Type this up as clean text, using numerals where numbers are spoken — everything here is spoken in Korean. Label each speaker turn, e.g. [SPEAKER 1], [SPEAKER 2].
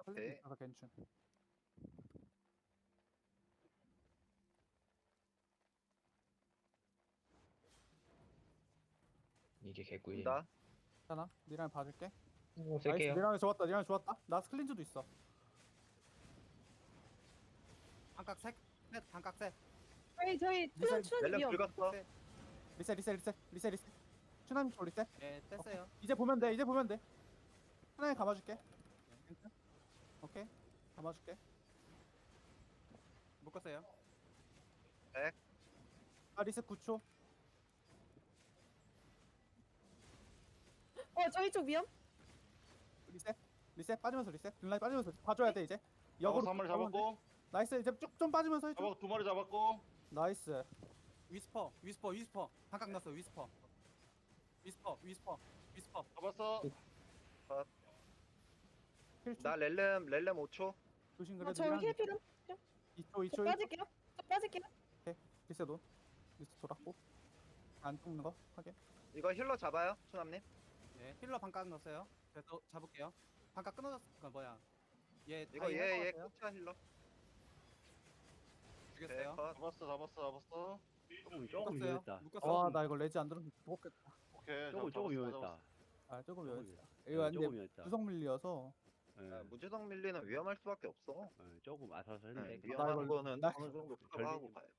[SPEAKER 1] 클릭
[SPEAKER 2] 네.
[SPEAKER 1] 있어서 괜찮.
[SPEAKER 3] 이게 개꿀이네.
[SPEAKER 2] 온다.
[SPEAKER 1] 괜찮아. 미라에 봐줄게. 나이스.
[SPEAKER 3] 쓸게요.
[SPEAKER 1] 미라에 좋았다. 미라에 좋았다. 나 스클린즈도 있어.
[SPEAKER 4] 반각 셋 반각 셋
[SPEAKER 5] 저희
[SPEAKER 1] 리셋,
[SPEAKER 5] 추천
[SPEAKER 2] 렐렘
[SPEAKER 5] 위험.
[SPEAKER 2] 긁었어.
[SPEAKER 1] 리셋. 추나님 쪽 리셋.
[SPEAKER 4] 네 뗐어요.
[SPEAKER 1] 이제 보면 돼. 이제 보면 돼. 하나에 감아줄게. 괜찮아? 오케이. 감아줄게.
[SPEAKER 4] 묶었어요.
[SPEAKER 1] 아 리셋 9초.
[SPEAKER 5] 저희 쪽 위험.
[SPEAKER 1] 리셋 빠지면서 리셋. 딜라인 빠지면서 봐줘야 돼 이제. 역으로
[SPEAKER 6] 한 마리
[SPEAKER 1] 가면 돼.
[SPEAKER 6] 잡았고,
[SPEAKER 1] 나이스. 이제 쭉 좀 빠지면서 해줘.
[SPEAKER 6] 두 마리 잡았고.
[SPEAKER 1] 나이스.
[SPEAKER 4] 위스퍼 반각 넣었어. 위스퍼
[SPEAKER 6] 잡았어.
[SPEAKER 1] 힐
[SPEAKER 2] 나 렐렘 5초.
[SPEAKER 1] 조심 그래도
[SPEAKER 5] 저희 힐 필요.
[SPEAKER 1] 2초
[SPEAKER 5] 저 빠질게요. 저 빠질게요.
[SPEAKER 1] 리셋 온. 리셋 돌았고. 안 죽는 거 하게.
[SPEAKER 2] 이거 힐러 잡아요, 초남님.
[SPEAKER 4] 네 힐러 반각 넣었어요. 그래서 잡을게요. 반각 끊어졌어. 뭐야 얘
[SPEAKER 2] 이거
[SPEAKER 4] 다이
[SPEAKER 2] 얘
[SPEAKER 4] 해봤어요?
[SPEAKER 2] 끝이야 힐러.
[SPEAKER 4] 죽였어요.
[SPEAKER 2] 컷.
[SPEAKER 6] 잡았어.
[SPEAKER 7] 조금
[SPEAKER 4] 묶었어요.
[SPEAKER 7] 위험했다.
[SPEAKER 4] 묶었어.
[SPEAKER 1] 와 나 이거 레지 안 들으면 죽었겠다.
[SPEAKER 6] 오케이.
[SPEAKER 7] 조금 위험했다.
[SPEAKER 1] 아 조금 위험했다.
[SPEAKER 7] 조금
[SPEAKER 1] 이거 근데
[SPEAKER 7] 위험했다.
[SPEAKER 1] 구성 밀리어서
[SPEAKER 2] 아, 무주성 밀리는 위험할 수밖에 없어.
[SPEAKER 7] 조금 아슬아슬했는데
[SPEAKER 2] 네, 위험한
[SPEAKER 1] 이걸-
[SPEAKER 2] 거는
[SPEAKER 1] 나-
[SPEAKER 2] 어느 정도 커버하고 가요.